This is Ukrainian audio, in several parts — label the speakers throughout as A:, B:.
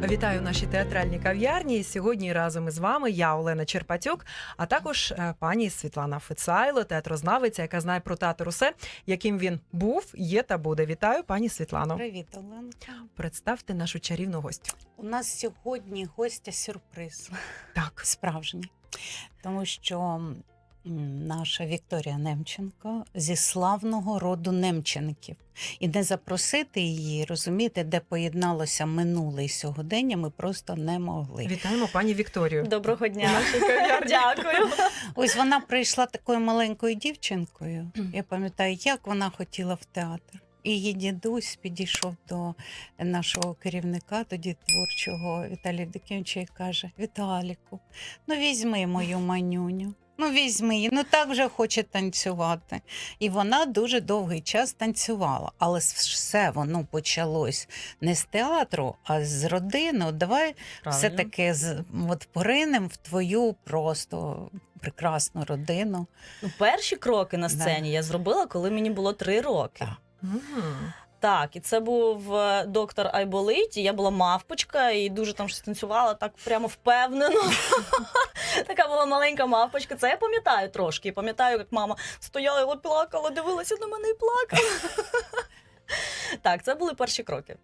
A: Вітаю в нашій театральній кав'ярні. Сьогодні разом із вами я, Олена Черпатюк, а також пані Світлана Фицайло, театрознавиця, яка знає про театр усе, яким він був, є та буде. Вітаю, пані Світлано.
B: Привіт, Оленка.
A: Представте нашу чарівну гостю.
B: У нас сьогодні гостя сюрприз.
A: Так.
B: Справжній. Тому що наша Вікторія Немченко зі славного роду Немченків. І не запросити її, розумієте, де поєдналося минуле і сьогодення, ми просто не могли.
A: Вітаємо пані Вікторію.
C: Доброго дня.
A: Дякую.
C: Дякую.
B: Ось вона прийшла такою маленькою дівчинкою. Я пам'ятаю, як вона хотіла в театр. І її дідусь підійшов до нашого керівника, тоді творчого Віталія Євдокимовича, і каже: Віталіку, ну візьми мою манюню. Ну, візьми її, ну так вже хоче танцювати. І вона дуже довгий час танцювала. Але все воно почалось не з театру, а з родини. От давай все-таки поринемо в твою просто прекрасну родину.
C: Ну, перші кроки на сцені я зробила, коли мені було 3 роки.
B: Так.
C: Так, і це був доктор Айболит, і я була мавпочка, і дуже там щось танцювала, так прямо впевнено. Така була маленька мавпочка, це я пам'ятаю трошки. Пам'ятаю, як мама стояла і плакала, дивилася на мене і плакала. Так, це були перші кроки.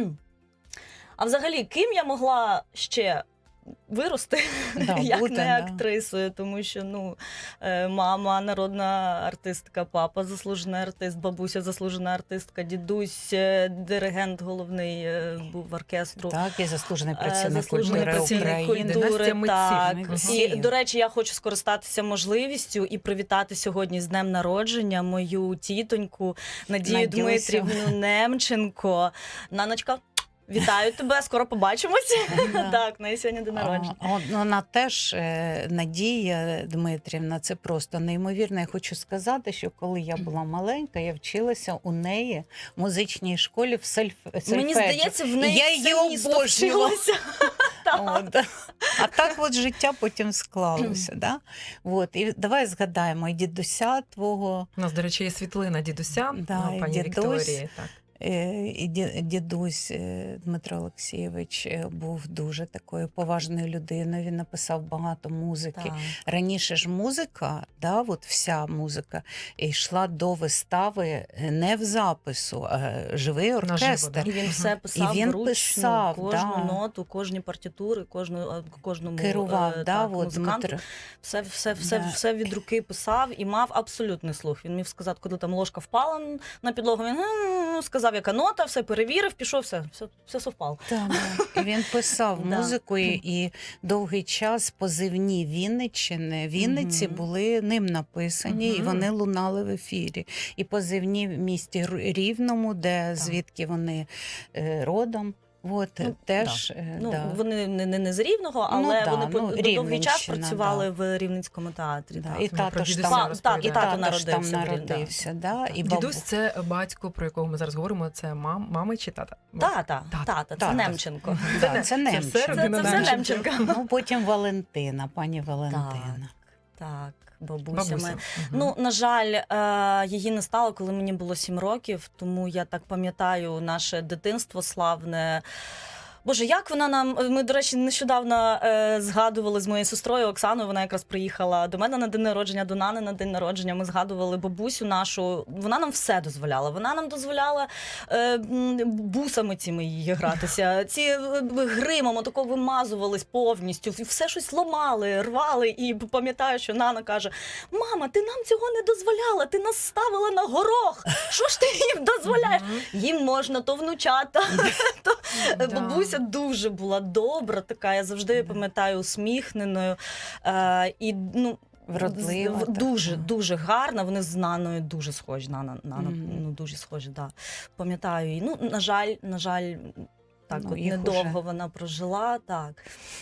C: А взагалі, ким я могла ще вирости, як не актрисою, тому що мама народна артистка, папа заслужений артист, бабуся заслужена артистка, дідусь диригент головний був оркестру.
B: Так, і заслужений працівник
C: культури України. Так. І, до речі, я хочу скористатися можливістю і привітати сьогодні з днем народження мою тітоньку Надію Дмитрівну Немченко. Наночка, вітаю тебе, скоро побачимось. Так, на сьогодні день народження.
B: Вона теж, Надія Дмитрівна, це просто неймовірно. Я хочу сказати, що коли я була маленька, я вчилася у неї в музичній школі в сольфеджіо.
C: Мені здається, в неї
B: я її обожнювала. А так от життя потім склалося. Да? От. І давай згадаємо і дідуся твого.
A: У нас, до речі, є світлина дідуся, пані Вікторії. Так.
B: І дідусь Дмитро Олексійович був дуже такою поважною людиною, він написав багато музики. Так. Раніше ж музика, от вся музика, йшла до вистави не в запису, а живий оркестр.
C: І він все писав вручну, кожну ноту, кожні партитури, кожному
B: керував,
C: музиканту. Все від руки писав і мав абсолютний слух. Він міг сказати, коли там ложка впала на підлогу, він сказав, яка нота, все перевірив, пішов, все совпало.
B: Так, і він писав музику, і довгий час позивні Вінниці були ним написані, і вони лунали в ефірі. І позивні в місті Рівному, звідки вони родом. Теж,
C: вони не з Рівного, але вони довгий час працювали в Рівненському театрі.
B: І тато ж там народився.
A: Дідусь – це батько, про якого ми зараз говоримо, це мама чи тата?
C: Тата, це Немченко.
B: Це Немченко.
C: Це все Немченко.
B: Потім Валентина, пані Валентина.
C: Так. Бабуся. На жаль, її не стало, коли мені було 7 років, тому я так пам'ятаю наше дитинство славне. Боже, як вона нам... Ми, до речі, нещодавно згадували з моєю сестрою Оксаною, вона якраз приїхала до мене на день народження, до Нани на день народження. Ми згадували бабусю нашу. Вона нам все дозволяла. Вона нам дозволяла бусами цими її гратися. Ці гримом отако вимазувались повністю. Все щось ламали, рвали. І пам'ятаю, що Нана каже: мама, ти нам цього не дозволяла, ти нас ставила на горох. Що ж ти їм дозволяєш? Їм можна, то внучата, то бабуся дуже була добра, така, я завжди пам'ятаю, усміхненою. І,
B: вродлива.
C: Дуже гарна, вони з Наною дуже схожі. Нана дуже схожі, да. Пам'ятаю її. На жаль, так от недовго вона прожила, так.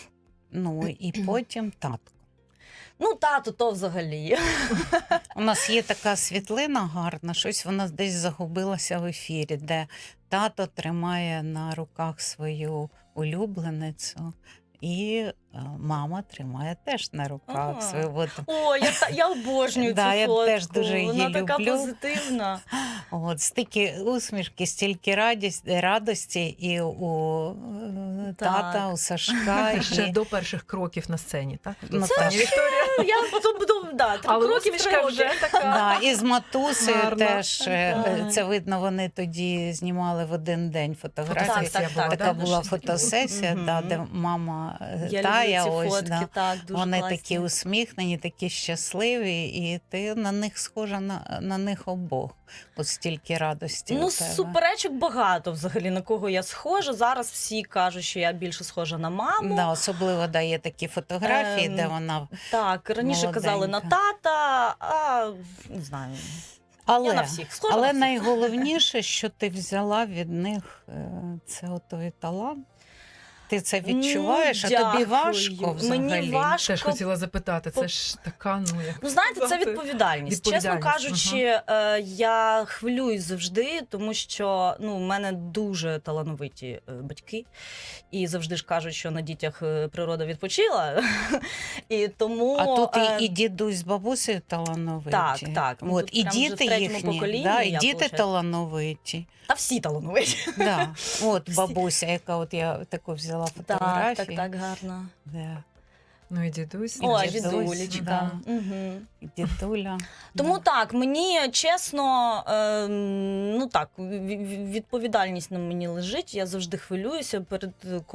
B: І потім татко.
C: Тато то взагалі.
B: У нас є така світлина гарна, щось вона десь загубилася в ефірі, де тато тримає на руках свою улюбленицю, і мама тримає теж на руках свою.
C: О, я обожнюю цю фотку.
B: Я теж дуже її
C: вона
B: люблю.
C: Така позитивна.
B: Стільки усмішки, стільки радості і у тата,
C: Так.
B: у Сашка.
A: Це ще
B: і-
A: до перших кроків на сцені, так?
B: Ну,
A: Це
B: так.
A: Вікторія.
C: Я потім буду, да, 3
A: Але
C: роки, 3
A: усмішка
C: роки.
A: вже така.
B: Да, і з матусею
A: Гарно.
B: теж
C: Так.
B: це видно, вони тоді знімали в один день фотографії.
A: Фотосесія
C: Так,
A: була,
C: так,
B: Така
A: да?
B: була
C: Дуже
B: фотосесія,
C: такі.
B: да,
C: Мгм.
B: де мама
C: Я
B: Тая,
C: люблю ці
B: ось,
C: фотки,
B: да.
C: так, дуже
B: Вони
C: класні.
B: такі усміхнені, такі щасливі, і ти на них схожа на них обох. От стільки радості
C: Ну,
B: у тебе.
C: суперечок багато взагалі, на кого я схожа. Зараз всі кажуть, що я більше схожа на маму.
B: Да, особливо дає такі фотографії, де вона.
C: Так, раніше казали на
B: Молоденька.
C: тата, а не знаю.
B: Але,
C: Я на всіх схожа.
B: але
C: на всіх.
B: найголовніше, що ти взяла від них, це отой талант. Ти це відчуваєш, а тобі
C: Дякую.
B: важко взагалі.
C: Мені важко.
A: Теж хотіла запитати, це ж така, ну як.
C: Ну, знаєте, це
A: сказати?
C: відповідальність. Чесно
A: Відповідальність,
C: кажучи, я хвилююсь завжди, тому що в мене дуже талановиті батьки, і завжди ж кажуть, що на дітях природа відпочила. І тому
B: А тут і дідусь з бабусею талановиті.
C: Так, так. Ну,
B: От,
C: тут
B: і
C: прям вже в
B: діти
C: третьому
B: їхні,
C: поколінні
B: да, і
C: я,
B: діти
C: получаю.
B: талановиті.
C: та всі талановиті.
B: Да. От
C: Всі.
B: бабуся, яка от я таку взяла
C: Так,
B: фотографію.
C: так, гарно.
B: Да.
A: Ну і дідусь.
C: О,
B: дідусь,
C: дідулечка.
B: да.
C: Угу.
B: І дідуля.
C: Тому
B: Да.
C: так, мені чесно, ну так, відповідальність на мені лежить. Я завжди хвилююся перед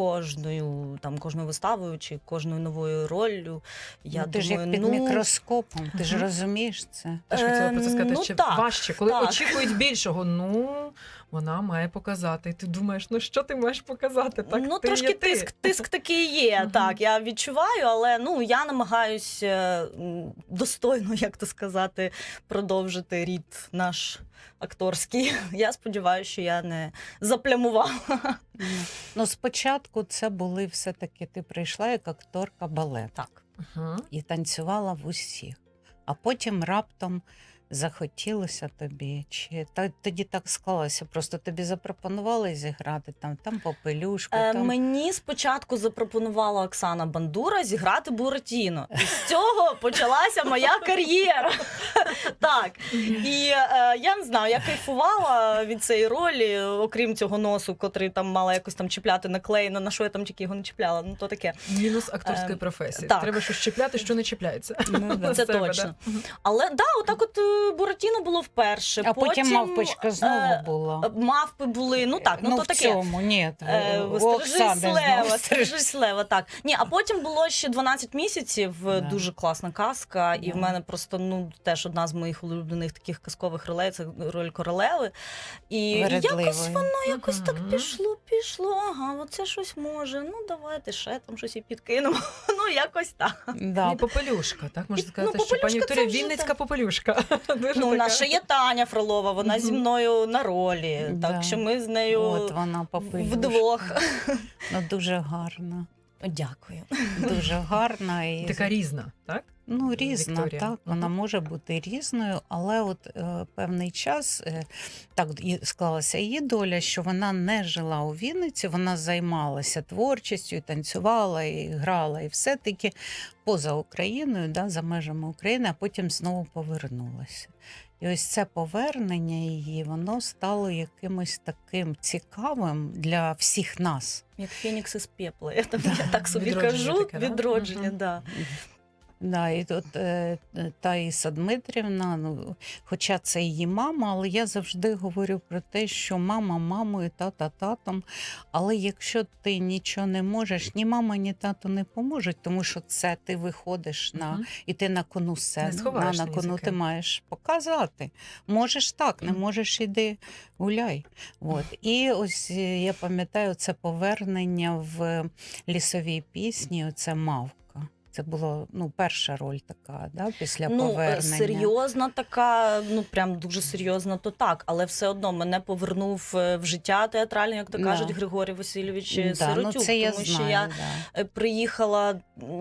C: кожною виставою чи кожною новою роллю. Я
B: Ну, ти ж
C: думаю,
B: як під мікроскопом, ти ж
A: Мгм.
B: розумієш це.
A: Теж хотіла про це сказати,
C: ну
A: чи
C: так,
A: важче, коли
C: так.
A: очікують більшого. Ну, вона має показати. І ти думаєш, ну що ти маєш показати? Так,
C: ну,
A: ти
C: трошки
A: є ти.
C: тиск такий є.
A: Мгм.
C: Так, я відчуваю, але я намагаюсь достойно, як то сказати, продовжити рід наш акторський. Я сподіваюся, що я не заплямувала.
B: Ну, спочатку це були все-таки, ти прийшла як акторка балету
C: Так.
A: Ага.
B: і танцювала в усіх. А потім раптом захотілося тобі, чи тоді так склалося, просто тобі запропонували зіграти там попелюшку, там.
C: Мені спочатку запропонувала Оксана Бандура зіграти Буратіно. І з цього почалася моя кар'єра. Так. І я не знаю, я кайфувала від цієї ролі, окрім цього носу, котрий там мала якось там чіпляти наклеєно, на що я там тільки його не чіпляла. Ну, то таке.
A: Мінус акторської професії.
C: так.
A: Треба щось чіпляти, що не чіпляється.
B: Ну, да.
C: Це
A: З себе,
C: точно.
A: да.
C: Але да, отак от Буратіно було вперше.
B: А потім мавпочка знову була.
C: Мавпи були, ну так, ну то
B: в
C: таке.
B: цьому, ні, у
C: Стрижись
B: Оксани
C: Лева,
B: знову
C: Стрижись Лева, так. Ні, а потім було ще 12 місяців,
B: Да.
C: дуже класна казка, і
B: Да.
C: в мене просто, теж одна з моїх улюблених таких казкових ролей, це роль королеви. І якось
B: Вередливою.
C: воно якось так
A: Мгм.
C: пішло, ага, оце щось може, ну давайте ще там щось і підкинемо, ну якось так.
B: Да.
A: І попелюшка, так можна сказати, що
C: попелюшка
A: пані Вікторія
C: це вже
A: Вінницька
C: так.
A: попелюшка. Дуже
C: Ну, у
A: така.
C: нас ще є Таня Фролова, вона зі
A: Мгм.
C: мною на ролі,
B: Да.
C: так що ми з нею
B: От вона попелюшка.
C: вдвох.
B: Ну, дуже гарна.
C: Дякую.
B: Дуже гарна. І...
A: Така різна, так?
B: Ну, різна,
A: Вікторія.
B: так, вона
A: Мгм.
B: може бути різною, але от певний час так склалася її доля, що вона не жила у Вінниці, вона займалася творчістю, і танцювала, і грала, і все-таки поза Україною, да, за межами України, а потім знову повернулася. І ось це повернення її, воно стало якимось таким цікавим для всіх нас.
C: Як Фенікс із пепла, я так собі
A: Відродження
C: кажу.
A: таке, да?
C: Відродження,
A: Мгм.
C: да.
B: Да, і тут Таїса Дмитрівна, ну, хоча це її мама, але я завжди говорю про те, що мама мамою, тата татом. Але якщо ти нічого не можеш, ні мама, ні тато не поможуть, тому що це ти виходиш
A: Мгм.
B: і ти на кону
A: Не
B: сцени,
A: сховаєш
B: на
A: ні
B: кону
A: за
B: ти
A: ким.
B: маєш показати. Можеш так, не
A: Мгм.
B: можеш іди гуляй. От. І ось я пам'ятаю це повернення в лісовій пісні, оце «Мавка». Це була перша роль така, да, після повернення.
C: Серйозна така, прям дуже серйозна, то так, але все одно мене повернув в життя театральне, як то
B: Да.
C: кажуть, Григорій Васильович
B: Да,
C: Сиротюк,
B: це я
C: тому
B: знаю,
C: що я
B: да.
C: приїхала,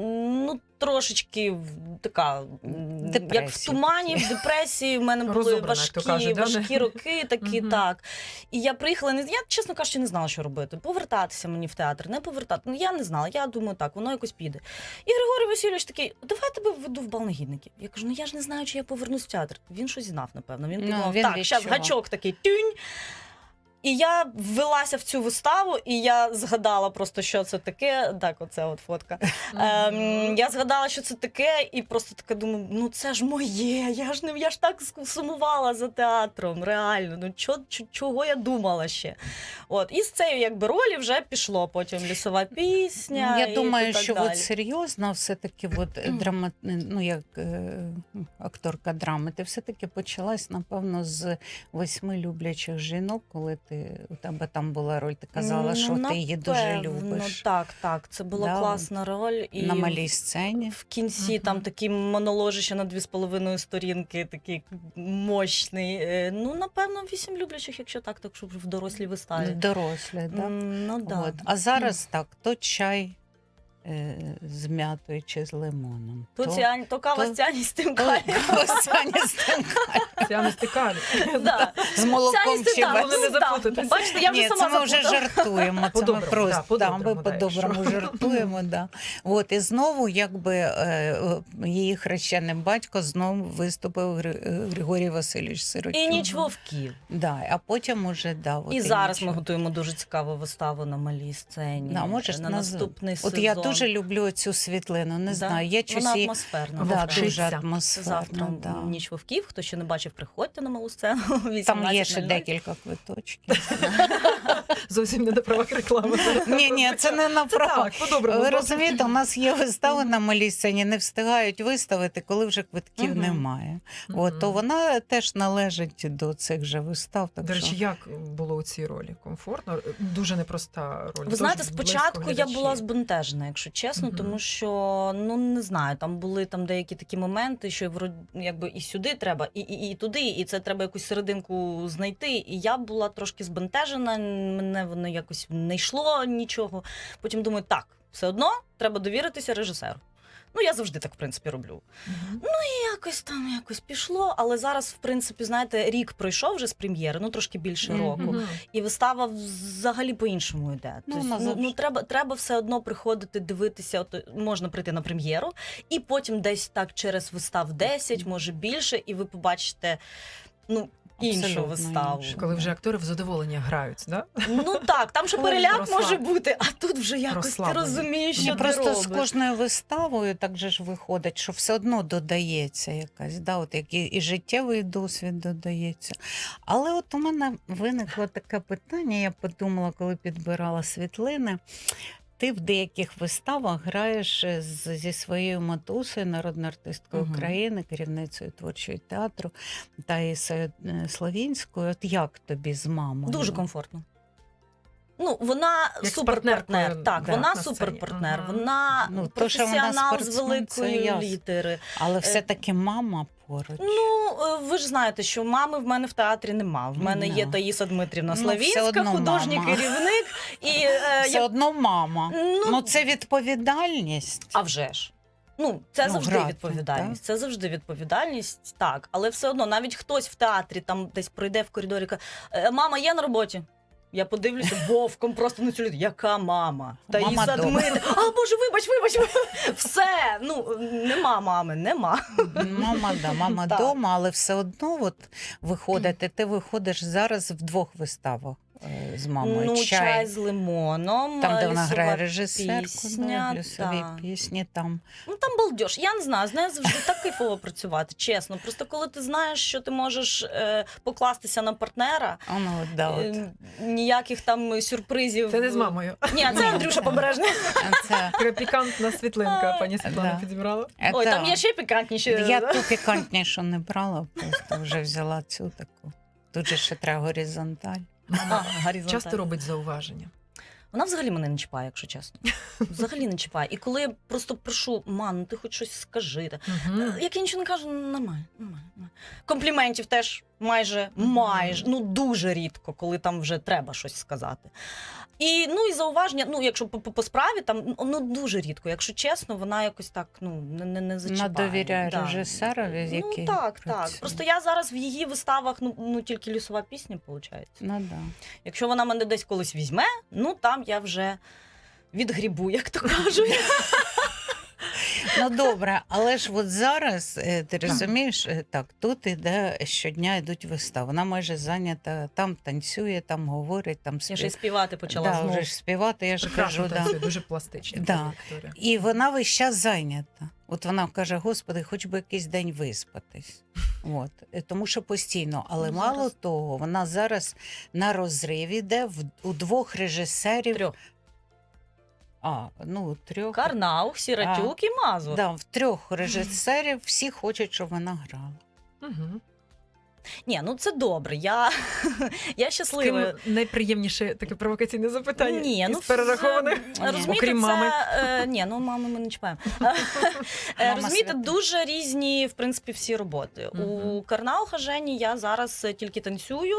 C: трошечки така, як в
B: Депресії
C: тумані, в депресії, в мене були
A: Розобрана, як то кажуть, да?
C: важкі роки такі,
A: Мгм.
C: так. І я приїхала, я, чесно кажучи, не знала, що робити. Повертатися мені в театр, не повертати. Ну, я не знала, я думаю, так, воно якось піде. І Григорій Васильович такий, давай я тебе введу в бал негідників. Я кажу, я ж не знаю, чи я повернусь в театр. Він щось знав, напевно. Він
B: Ну,
C: подумав,
B: він
C: так, зараз
B: відчував.
C: гачок такий, тюнь. І я ввелася в цю виставу, і я згадала просто, що це таке. Так, оце от фотка. Я згадала, що це таке, і просто таке думаю, ну це ж моє, я ж так сумувала за театром, реально. Ну чого я думала ще? От, і з цією якби ролі вже пішло потім лісова пісня.
B: Я думаю,
C: і так
B: що
C: далі.
B: от серйозно все-таки ну, як акторка драми, ти все-таки почалась, напевно, з 8 люблячих жінок, коли у тебе там була роль, ти казала, що ти її дуже любиш.
C: Так, це була класна роль. І
B: на малій сцені.
C: В кінці там такий моnoloжище на 2,5 сторінки, такий мощний. Ну, напевно, 8 люблячих, якщо так, щоб в дорослій виставі.
B: Дорослі, так?
C: Ну, да.
B: От. А зараз так, то чай з м'ятою чи з лимоном.
C: То кава з Тяні з тим калієм.
A: Ця стикалі.
C: Да.
B: З молоком чи
C: Тяні з
B: без.
C: тим, да. Бачите, я вже
B: Ні,
C: сама
B: це ми вже
C: заплутала.
B: жартуємо. Це ми
A: По-доброму,
B: просто
A: по-доброму,
B: ми по-доброму
A: якщо.
B: жартуємо. Да. От, і знову якби її хрещений батько знову виступив Григорій Васильович Сиротюк.
C: І ніч вовків.
B: Да, а потім уже, да, от,
C: І зараз ми
B: ніч.
C: готуємо дуже цікаву виставу на малій сцені.
B: Да, можеш
C: на наступний сезон.
B: От я дуже люблю цю світлину, не знаю, я
C: Вона
B: щось її...
C: атмосферна.
B: Да,
A: Вовчиця.
B: дуже
C: Це
B: атмосферна.
C: завтра
B: Да.
C: ніч вовків. Хто ще не бачив, приходьте на малу сцену.
B: Там є ще
C: 18:00.
B: декілька квиточків.
A: Зовсім не на правах реклами.
B: Ні, це не на право.
A: Так, по-доброму.
B: Ви розумієте, у нас є вистави на малій сцені, не встигають виставити, коли вже квитків
C: Мгм.
B: немає. От, то вона теж належить до цих же вистав. Так
A: До речі,
B: що...
A: як було у цій ролі? Комфортно? Дуже непроста роль.
C: Ви знаєте,
A: Дуже близько
C: спочатку я
A: глядачі.
C: була збентежена, якщо чесно,
A: Мгм.
C: тому що, ну не знаю, там були деякі такі моменти, що якби і сюди треба, і туди, і це треба якусь серединку знайти. І я була трошки збентежена, мене воно якось не йшло нічого. Потім думаю, так, все одно треба довіритися режисеру. Ну, я завжди так, в принципі, роблю.
A: Мгм.
C: Якось пішло, але зараз, в принципі, знаєте, рік пройшов вже з прем'єри, ну трошки більше
B: Мгм.
C: року.
A: Мгм.
C: І вистава взагалі по-іншому йде.
B: Ну,
C: Тобто,
B: вона завжди.
C: треба все одно приходити, дивитися. От можна прийти на прем'єру, і потім десь так через вистав 10, може більше, і ви побачите іншу
B: Абсолютно
C: виставу.
B: іншу.
A: Коли вже актори в задоволення грають, да?
C: Ну так, там ще
A: Коли
C: переляк
A: розслаб-
C: може бути, а тут вже якось ти
A: розслаблені.
C: розумієш,
B: Ні,
C: що ти
B: просто з
C: робиш.
B: кожною виставою так же ж виходить, що все одно додається якась, да, от як і життєвий досвід додається. Але от у мене виникло таке питання, я подумала, коли підбирала світлини. Ти в деяких виставах граєш зі своєю матусею, народною артисткою
C: Мгм.
B: України, керівницею творчого театру Таїсою Славінською. От як тобі з мамою?
C: Дуже комфортно. Ну, вона
A: Як з
C: суперпартнер.
A: партнеркою,
C: Так,
A: да,
C: вона
A: на сцені.
C: суперпартнер.
A: Ага.
C: Вона
B: Ну, то, що вона
C: професіонал з
B: спортсмен, це
C: великої
B: ясно.
C: літери.
B: Але все-таки мама поруч.
C: Ну, ви ж знаєте, що мами в мене в театрі нема. В мене є
B: Ну.
C: Таїса Дмитрівна
B: Ну,
C: Славінська,
B: все одно
C: художній
B: мама.
C: керівник. І,
B: Все одно мама.
C: ну,
B: Ну, це відповідальність.
C: а вже ж. Ну, це
B: Ну,
C: завжди
B: грати,
C: відповідальність. Це завжди відповідальність, так. Але все одно, навіть хтось в театрі там десь пройде в коридорі і каже, мама є на роботі? Я подивлюся вовком просто на цю людину. Яка мама?
B: Мама
C: Таїса
B: дома.
C: Дмитрівна. А, Боже, вибач. Все. Ну, нема мами, нема.
B: Мама
C: Так.
B: вдома, але все одно от виходити. Ти виходиш зараз в 2 виставах з мамою.
C: Ну, чай з лимоном.
B: Там, де вона
C: лісова
B: грає режисерку,
C: пісня,
B: лісові
C: так.
B: пісні там.
C: Ну там балдеж. Я не знаю, з нею завжди так кайфово працювати, чесно. Просто коли ти знаєш, що ти можеш покластися на партнера,
B: А, ну, да, от.
C: ніяких там сюрпризів.
A: Це не з мамою.
C: Ні, це Андрюша Побережний.
B: Це,
A: Така пікантна світлинка пані Світлана
B: Да.
A: підібрала.
C: Ой,
B: це-
C: там є ще пікантніші.
B: Я ту пікантнішу не брала, просто вже взяла цю таку. Тут же ще треба горизонталь.
A: Мама
C: горизонталь.
A: часто робить зауваження.
C: Вона взагалі мене не чіпає, якщо чесно. Взагалі не чіпає. І коли я просто прошу, ну ти хоч щось скажи.
A: Мгм.
C: Як я нічого не кажу, нормально. Компліментів теж майже, ну дуже рідко, коли там вже треба щось сказати. І, і зауваження, якщо по справі, там, дуже рідко. Якщо чесно, вона якось так, не зачіпає.
B: Вона довіряє
C: Да.
B: режисерові, з яким
C: так.
B: працює.
C: Просто я зараз в її виставах, тільки лісова пісня, виходить.
B: Ну, да.
C: Якщо вона мене десь колись візьме, там я вже відгрібу, як то кажуть.
B: Ну добре, але ж от зараз, ти розумієш, так, тут іде щодня йдуть вистави. Вона майже зайнята, там танцює, там говорить, там
C: Я ще й
B: співає.
C: співати почала
B: Да,
C: знову.
B: вже ж співати, я ж
A: Прекрасно
B: кажу, да.
A: танцює, дуже пластично.
B: Да.
A: пані Вікторія.
B: І вона весь час зайнята. От вона каже: Господи, хоч би якийсь день виспатись. От. Тому що постійно. Але
C: Ну,
B: мало
C: зараз-
B: того, вона зараз на розрив іде у двох режисерів.
C: Трьох.
B: Трьох.
C: Карнаух, Сіратюк і Мазур.
B: Да, в трьох режисерів всі хочуть, щоб вона грала.
A: Угу.
C: Ні, ну це добре. Я
A: З
C: щаслива.
A: ким найприємніше таке провокаційне запитання?
C: Ні, ну
A: із перерахованих?
C: розумієте,
A: Окрім
C: це,
A: мами.
C: Ні, ну мами ми не чіпаємо.
B: Мама
C: Розумієте,
B: свята.
C: дуже різні, в принципі, всі роботи.
A: Мгм.
C: У Карнауха Жені я зараз тільки танцюю.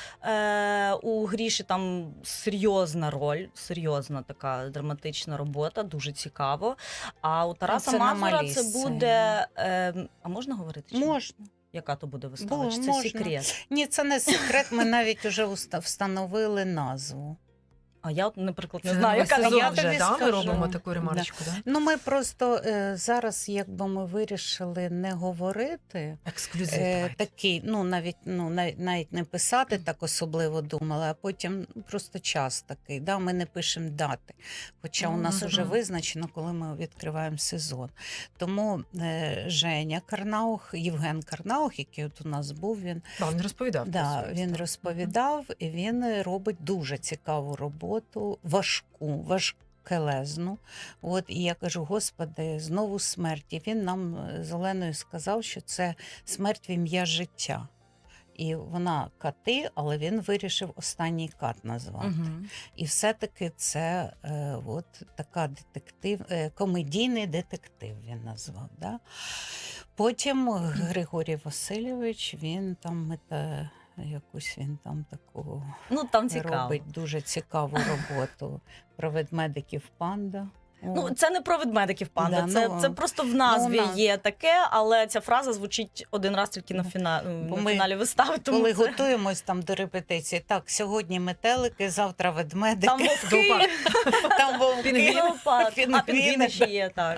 C: У Гріші там серйозна роль, серйозна така драматична робота, дуже цікаво. А у Тараса
B: це на
C: Мазура
B: малій
C: це
B: сцені.
C: буде. А можна говорити? чи ні?
B: Можна.
C: Яка то буде вистава?
B: Було,
C: Чи це
B: можна.
C: секрет?
B: Ні, це не секрет, ми навіть вже встановили назву.
C: А я, от, наприклад, не
A: Це
C: знаю,
A: новий
C: яка
A: сезон
B: я
A: вже,
B: тобі
A: да? Ми
B: скажу.
A: робимо таку ремарочку, да?
B: Ну, ми просто зараз, якби ми вирішили не говорити,
A: Ексклюзив. давайте.
B: такий, навіть не писати так особливо думали, а потім просто час такий. Да? Ми не пишемо дати. Хоча у нас
A: Мгм.
B: вже визначено, коли ми відкриваємо сезон. Тому Женя Карнаух, Євген Карнаух, який от у нас був, він
A: Да, він розповідав. про
B: Да,
A: свою
B: він
A: історію.
B: розповідав, і він робить дуже цікаву роботу, важкелезну. От, і я кажу: Господи, знову смерть. І він нам з Оленою сказав, що це смерть в ім'я життя. І вона кати, але він вирішив останній кат назвати.
C: Мгм.
B: І все-таки це така комедійний детектив він назвав. Да? Потім Григорій Васильович, він там якусь він там таку
C: Ну, там цікаво.
B: робить дуже цікаву роботу про ведмедиків панда.
C: Ну, це не про ведмедиків панда,
B: Да,
C: це просто в назві
B: вона-
C: є таке, але ця фраза звучить один раз тільки на,
B: Бо
C: на
B: ми,
C: фіналі вистави. Тому
B: коли
C: це...
B: готуємось там до репетиції, так, сьогодні метелики, завтра ведмедики,
C: Там вовки,
B: там вовки.
A: Пінгвін.
C: леопард. А
B: Пінгвіни,
C: пінгвіни ще є, так.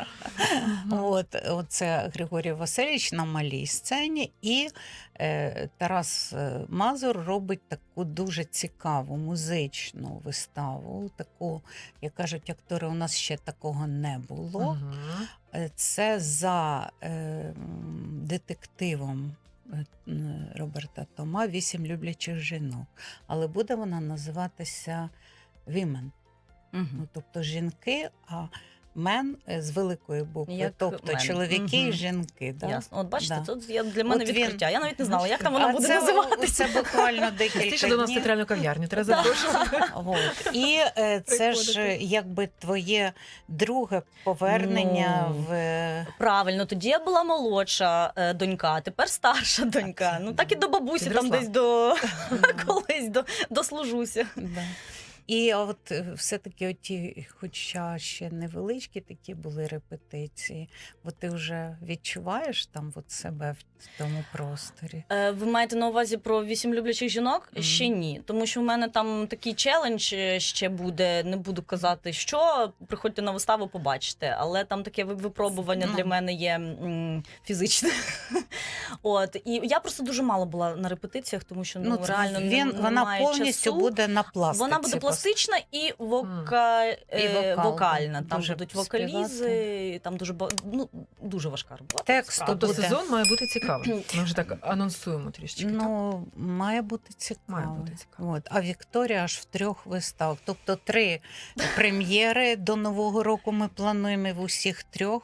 B: Оце Григорій Васильович на малій сцені, і Тарас Мазур робить таку дуже цікаву музичну виставу. Таку, як кажуть актори, у нас ще такого не було.
A: Мгм.
B: Це за детективом Роберта Тома «8 люблячих жінок». Але буде вона називатися «Women». Ну, тобто жінки, а мен з великої букви,
C: Як
B: тобто
C: мен.
B: чоловіки і
A: Мгм.
B: жінки. Да?
C: Ясно. От бачите,
B: Да.
C: тут для мене
B: От він-
C: відкриття. Я навіть не знала, як там вона
B: А
C: буде
B: це,
C: називатися.
B: Це буквально
A: Частіше
B: декілька
A: до нас в
B: днів.
A: театральну кав'ярню треба
C: Да.
A: запрошувати.
B: От. І це ж
A: Приходити.
B: якби твоє друге повернення
C: Ну,
B: в
C: Правильно, тоді я була молодша донька, а тепер старша донька. Ну так і до бабусі там
A: Підросла.
C: десь колись дослужуся.
B: Да. І от все-таки оті, хоча ще невеличкі такі були репетиції, бо ти вже відчуваєш там от себе в тому просторі.
C: Ви маєте на увазі про 8 люблячих жінок?
B: Мгм.
C: Ще ні. Тому що в мене там такий челендж ще буде. Не буду казати, що приходьте на виставу, побачите. Але там таке випробування
B: Ну.
C: для мене є фізичне. От і я просто дуже мало була на репетиціях, тому що реально
B: вона
C: немає
B: повністю
C: часу.
B: буде на пластиці.
C: Вона буде пластична і
B: І вокал,
C: вокальна. Там
B: дуже
C: будуть вокалізи, там дуже важка робота.
B: Текст
C: справді.
A: Тобто
B: буде.
A: сезон має бути цікавим. Ми вже так анонсуємо трішечки. так?
B: Ну, має бути цікаво.
A: Має бути цікаво.
B: От. А Вікторія аж в 3 виставах. Тобто 3 прем'єри до Нового року ми плануємо в усіх 3.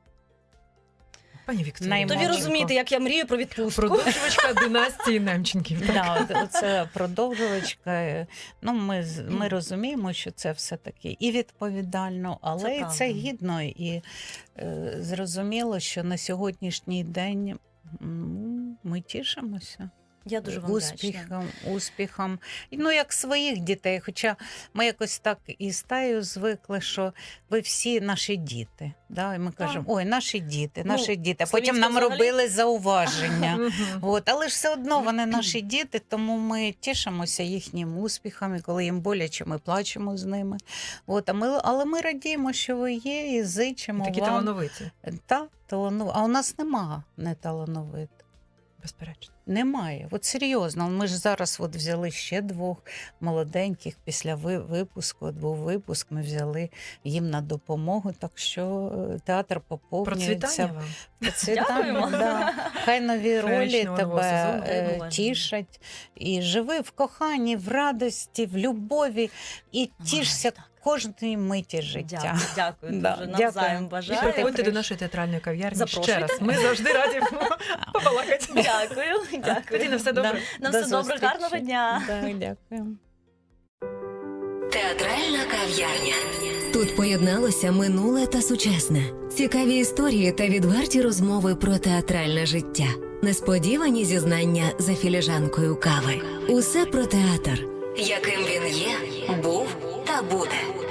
A: Пані Вікторія.
C: То ви
B: Наймолодшенько.
C: розумієте, як я мрію про відпустку.
A: Продовжувачка династії Немченків. так?
B: Да, це продовжувачка. Ну, ми розуміємо, що це все-таки і відповідально, але
C: Це
B: і
C: правда.
B: це гідно. І зрозуміло, що на сьогоднішній день ми тішимося.
C: Я дуже вам вдячна.
B: успіхам. Ну, як своїх дітей. Хоча ми якось так і з Таю звикли, що ви всі наші діти. Да? І ми кажемо, ой, наші діти, наші діти. Потім нам
C: взагалі.
B: робили зауваження.
A: Мгм.
B: От, але ж все одно вони наші діти, тому ми тішимося їхнім успіхам, і коли їм боляче, ми плачемо з ними. От, але ми радіємо, що ви є, і зичимо
A: Такі
B: вам.
A: талановиті,
B: А у нас нема неталановитих.
A: безперечно.
B: Немає. От серйозно. Ми ж зараз от взяли ще 2 молоденьких після випуску. От був випуск, ми взяли їм на допомогу. Так що театр поповнюється.
A: Процвітання вам.
C: Дякуємо.
B: Да. Хай нові ролі
A: Феєричного нового
B: тебе
C: сезону.
B: тішать. І живи в коханні, в радості, в любові. І тішся
C: так.
B: кожної миті життя.
C: Дякую
B: Да,
C: дуже.
B: дякую.
C: Навзаєм
A: І
C: бажаю.
A: приходьте до нашої театральної кав'ярні ще
C: Запрошуйте.
A: раз. Ми завжди раді побалакати.
C: Дякую. Дякую.
A: Катерина, все добре?
C: На
B: До
C: все добре,
B: зустрічі.
C: гарного дня.
B: Да, дякую.
D: Театральна кав'ярня. Тут поєдналося минуле та сучасне. Цікаві історії та відверті розмови про театральне життя. Несподівані зізнання за філіжанкою кави. Усе про театр, яким він є, був та буде.